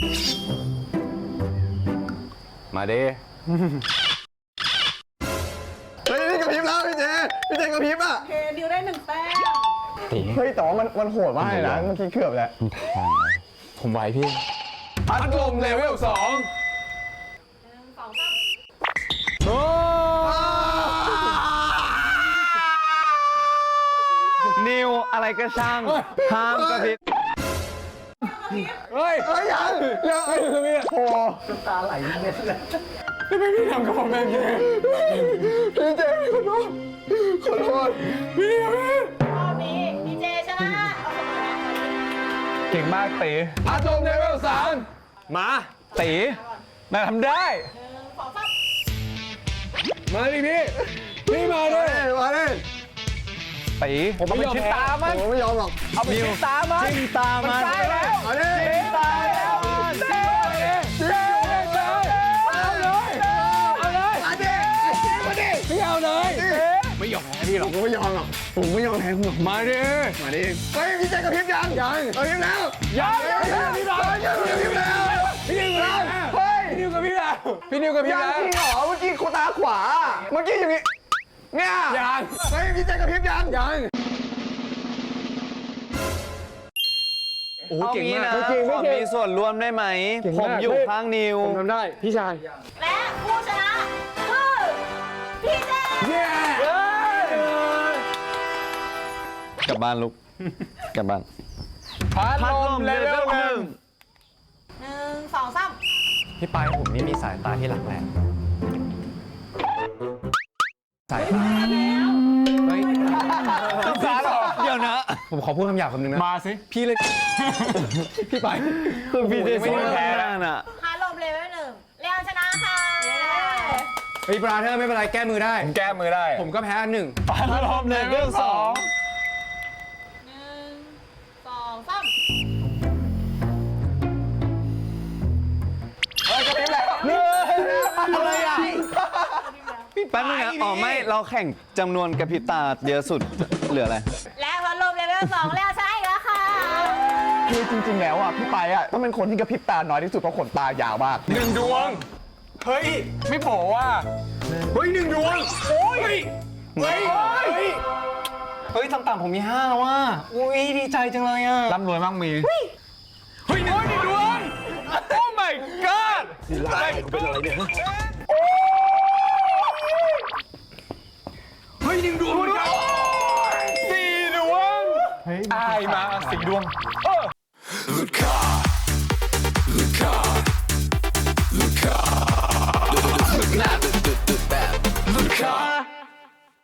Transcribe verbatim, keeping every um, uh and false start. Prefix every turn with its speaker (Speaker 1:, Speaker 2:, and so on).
Speaker 1: มาดิเฮ้ยนี่กระพริบแล้วพี่เจพี่เจกระพริบอ่ะ
Speaker 2: โอเคดิวได้หนึ่งแต้ม
Speaker 1: เฮ้ยแต่ว่ามันมันโหดมากเลยนะเมื่อกี้เกือบแล้วผมไหวพี่พัดลมเลเวลสอง
Speaker 2: หนึ่งสองสาม
Speaker 1: โอ้นิวอะไรก็ช่างห้ามกระพริบเฮ้ยเฮ้ยยังยังไอ้คือพี่โอ้ตาไหลเม็ดเลยทำไมพี่ทำกับผมแบบนี้พี่เจขอโทษขอโทษพี่พี่
Speaker 2: รอบนี้ดีเจชนะเอาสมนะ
Speaker 1: เก่งมากตีพัดลมเลเวลสามมาตีนายทำได้
Speaker 2: หนึ่งสองสาม
Speaker 1: มาดิพี่พี่มาเลยมาเลยตีผมไม่ยอมตามันผมไม่ยอมหรอกเอาไปจิ้มตามันจิ้มตามันได้แล้วเอาดิจิ้มตาแล้วจิ้มเลยเอาเลยเอาเลยมาดิมาดิพี่เอาเลยไม่ยอมแพ้พี่หรอกผมไม่ยอมหรอกผมไม่ยอมแพ้คุณหรอกมาดิมาดิเฮ้ยพี่ใจกระพริบยังยังกระพริบแล้วยังยังพี่ดาวยังกระพริบแล้วพี่นิวแล้วเฮ้ยพี่นิวกระพริบแล้วพี่นิวกระพริบแล้วยังจริงเหรอเมื่อกี้โคตาขวาเมื่อกี้อย่างงี้เนี่ยยังเฮ้ยพี่ใจกระพริบยังยังโอ้เก่งมากจริงไม่เก่งมีส่วนร่วมได้ไหมผมอยู่ข้างนิวผมทำได้พี่ชาย
Speaker 2: และผู้ชนะคือพี่เจ
Speaker 1: กลับบ้านลูกกลับบ้านพัดลมเลเวลหนึ่ง
Speaker 2: หนึ่งสองสาม
Speaker 1: พี่ปายผมนี่มีสายตาที่หลักแหลมสายตาเฮ้ยต้องสาหรอเดี๋ยวนะผมขอพูดคำหยาบคำนึงนะมาสิพี่เลยพี่ปายคือพี่เจไม่ได้แพ้น่ะ
Speaker 2: พาลมเลเวลหนึ่งเรียนชนะค่ะ
Speaker 1: เฮ้ยปราเธอไม่เป็นไรแก้มือได้ผมแก้มือได้ผมก็แพ้หนึ่งพัดลมเลเวลสอง
Speaker 2: หนึ่งสองสาม
Speaker 1: เฮ้ยกระพริบแล้วอะไรอ่ะพี่แป๊บนึงนะอ๋อไม่เราแข่งจำนวนกระพริบตาเยอะสุดเหลืออะไร
Speaker 2: และพัดลมเลเวลสองเรียนชนะอีกแล้วค่ะ
Speaker 1: คือจริงๆแล้วอ่ะพี่ไปอ่ะต้องเป็นคนที่กระพริบตาน้อยที่สุดเพราะขนตายาวมากหนึ่งดวงเฮ้ยไม่โผล่ว่ะเฮ้ยหนึ่งดวงโอ้ยเฮ้ยเฮ้ยเฮ้ยต่ำๆผมมีห้าว่ะอุ้ยดีใจจังเลยอ่ะร่ำรวยมากมีเฮ้ยเฮ้ยหนึ่งดวงโอ้ my god สิลายกูเป็นอะไรเนี่ยเฮ้ยหนึ่งดวงสี่ดวงอายมาสี่ดวงเออ